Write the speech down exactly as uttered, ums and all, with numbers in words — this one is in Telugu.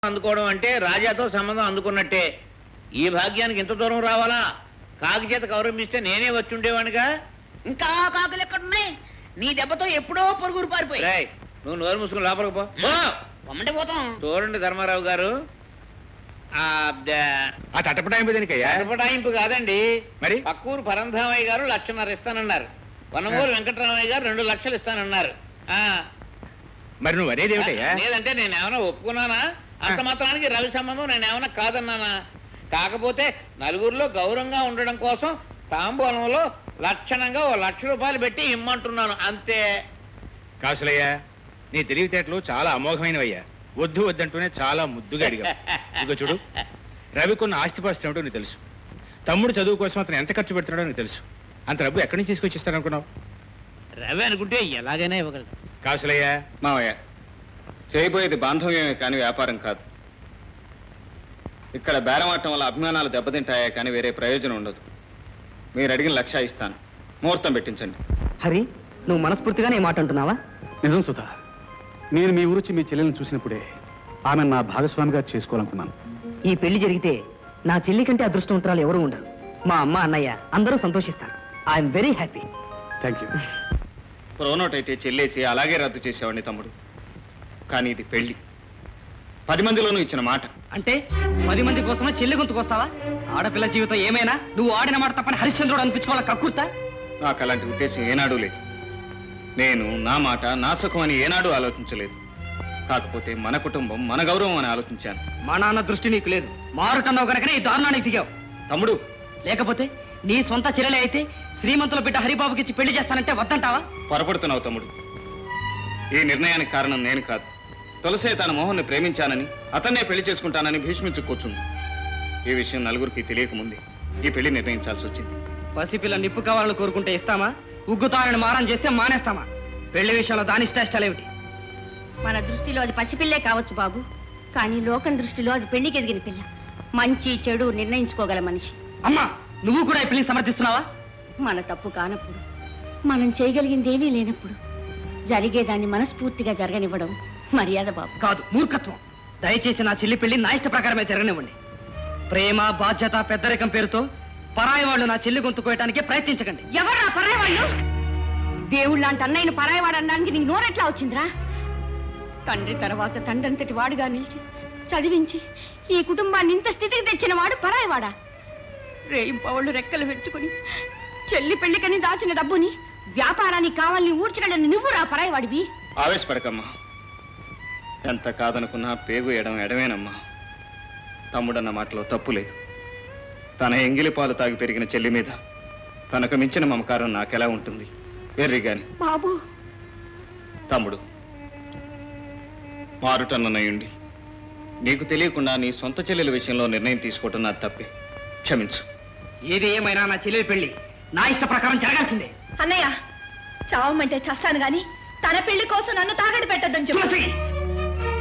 అందుకోవడం అంటే రాజాతో సంబంధం అందుకున్నట్టే. ఈ భాగ్యానికి ఇంత దూరం రావాలా? కాకి చేత గౌరవిస్తే నేనే వచ్చి ఉండేవాడిగా. ఇంకా కాకులు ఎక్కడున్నాయి? నీ దెబ్బతో ఎప్పుడో పొరుగురు పారిపోయి. నువ్వు నోరు మూసుకుని లోపలికి పో. పొమ్మంటే పోతాం. చూడండి ధర్మారావు గారు, తటపటాయింపు కాదండి, మరి పక్కూరు పరంధామయ్య గారు లక్షన్నర ఇస్తానన్నారు. వనమూరు వెంకటరామయ్య గారు రెండు లక్షలు ఇస్తానన్నారు. మరి నువ్వు అనేది ఏమిటయ్యా? లేదంటే నేను ఏమైనా ఒప్పుకున్నానా? అంత మాత్రానికి రవి సంబంధం నేను ఏమైనా కాదన్నానా? కాకపోతే నలుగురిలో గౌరవంగా ఉండడం కోసం తాంబూలంలో లక్షణంగా ఓ లక్ష రూపాయలు పెట్టి ఇమ్మంటున్నాను అంతే. కాసులయ్యా, నీ తెలివితేటలు చాలా అమోఘమైనవయ్యా. వద్దు వద్దంటూనే చాలా ముద్దుగా అడిగా. ఇదిగో చూడు, రవి కొన్న ఆస్తిపాస్తులు ఏమిటో నీకు తెలుసు. తమ్ముడు చదువు కోసం అతను ఎంత ఖర్చు పెడుతున్నాడో నీకు తెలుసు. అంత డబ్బు ఎక్కడి నుంచి తీసుకొచ్చి ఇస్తాననుకున్నావు? రవి అనుకుంటే ఎలాగైనా ఇవ్వగలదు. కాసులయ్యా, మావయ్య, చేయబోయేది బాంధవ్యమే కానీ వ్యాపారం కాదు. ఇక్కడ బేరమాటం వల్ల అభిమానాలు దెబ్బతింటాయా కానీ వేరే ప్రయోజనం ఉండదు. మీరు అడిగిన లక్ష ఇస్తాను, ముహూర్తం పెట్టించండి. హరి, నువ్వు మనస్ఫూర్తిగానే మాట అంటున్నావా? నిజం సుధా, నేను మీ ఊరొచ్చి మీ చెల్లెలను చూసినప్పుడే ఆమె నా భాగస్వామిగా చేసుకోవాలనుకున్నాను. ఈ పెళ్లి జరిగితే నా చెల్లి కంటే అదృష్టవంతురాలు ఎవరు ఉండరు. మా అమ్మ అన్నయ్య అందరూ సంతోషిస్తారు. I'm very happy. Thank you. Pronote అయితే చెల్లేసి అలాగే రద్దు చేసేవాడిని తమ్ముడు. కానీ ఇది పెళ్లి, పది మందిలోనూ ఇచ్చిన మాట. అంటే పది మంది కోసమే చెల్లి గొంతుకొస్తావా? ఆడపిల్ల జీవితం ఏమైనా నువ్వు ఆడిన మాట తప్పని హరిశ్చంద్రుడు అనిపించుకోవాలా కక్కుర్తా? నాకు అలాంటి ఉద్దేశం ఏనాడూ లేదు. నేను నా మాట నా సుఖం అని ఏనాడూ ఆలోచించలేదు. కాకపోతే మన కుటుంబం మన గౌరవం అని ఆలోచించాను. మా నాన్న దృష్టి నీకు లేదు. మారుటన్నావు కనుకనే ఈ దారుణానికి దిగావు. తమ్ముడు, లేకపోతే నీ సొంత చెల్లెలే అయితే శ్రీమంతుల బిడ్డ హరిబాబుకి ఇచ్చి పెళ్లి చేస్తానంటే వద్దంటావా? పొరపడుతున్నావు తమ్ముడు. ఈ నిర్ణయానికి కారణం నేను కాదు. తులసే తన మోహన్ని ప్రేమించానని, అతన్నే పెళ్లి చేసుకుంటానని భీష్మించు కూర్చుంది. ఈ విషయం నలుగురికి తెలియకముందే ఈ పెళ్లి నిర్ణయించాల్సి వచ్చింది. పసిపిల్ల నిప్పు కావాలని కోరుకుంటే ఇస్తామా? ఉగ్గుతారని మారం చేస్తే మానేస్తామా? పెళ్లి విషయంలో దాని ఇష్టాయిష్టాలేమిటి? మన దృష్టిలో అది పసిపిల్లే కావచ్చు బాబు, కానీ లోకం దృష్టిలో అది పెళ్లికి ఎదిగిన పిల్ల. మంచి చెడు నిర్ణయించుకోగల మనిషి. అమ్మా, నువ్వు కూడా ఈ పెళ్లిని సమర్థిస్తున్నావా? మన తప్పు కానప్పుడు, మనం చేయగలిగింది ఏమీ లేనప్పుడు జరిగేదాన్ని మనస్ఫూర్తిగా జరగనివ్వడం మర్యాద బాబు. కాదు, మూర్ఖత్వం. దయచేసి నా చెల్లి పెళ్లి నా ఇష్ట ప్రకారమే జరగనివ్వండి. ప్రేమ, బాధ్యత, పెద్దరికం పేరుతో పరాయి వాళ్ళు నా చెల్లి గొంతు కోయటానికి ప్రయత్నించకండి. ఎవరు నా పరాయి వాళ్ళు? దేవుళ్ళ లాంటి అన్నయ్యను పరాయివాడు అనడానికి నీకు నోరెట్లా వచ్చిందిరా? తండ్రి తర్వాత తండ్రంతటి వాడుగా నిలిచి చదివించి ఈ కుటుంబాన్ని ఇంత స్థితికి తెచ్చిన వాడు పరాయివాడా? రేయింపవాళ్ళు రెక్కలు పెంచుకుని చెల్లి పెళ్లికని దాచిన డబ్బుని వ్యాపారానికి కావాలని ఊడ్చగలని నువ్వు రా పరాయివాడివి. ఆవేశపడకమ్మా. ఎంత కాదనుకున్నా పేగు ఎడం ఎడమేనమ్మా. తమ్ముడన్న మాటలో తప్పు లేదు. తన ఎంగిలి పాలు తాగి పెరిగిన చెల్లి మీద తనకు మించిన మమకారం నాకెలా ఉంటుంది? వెర్రిగాని బాబు. తమ్ముడు, మారుటన్నయ్యుండి నీకు తెలియకుండా నీ సొంత చెల్లెల విషయంలో నిర్ణయం తీసుకోవటం నా తప్పే. క్షమించు. ఏది ఏమైనా నా చెల్లెలి పెళ్లి నా ఇష్ట ప్రకారం జరగాల్సిందే. అన్నయ్య, చావమంటే చస్తాను గాని తన పెళ్లి కోసం నన్ను తాగడి పెట్టద్దని చెప్పు.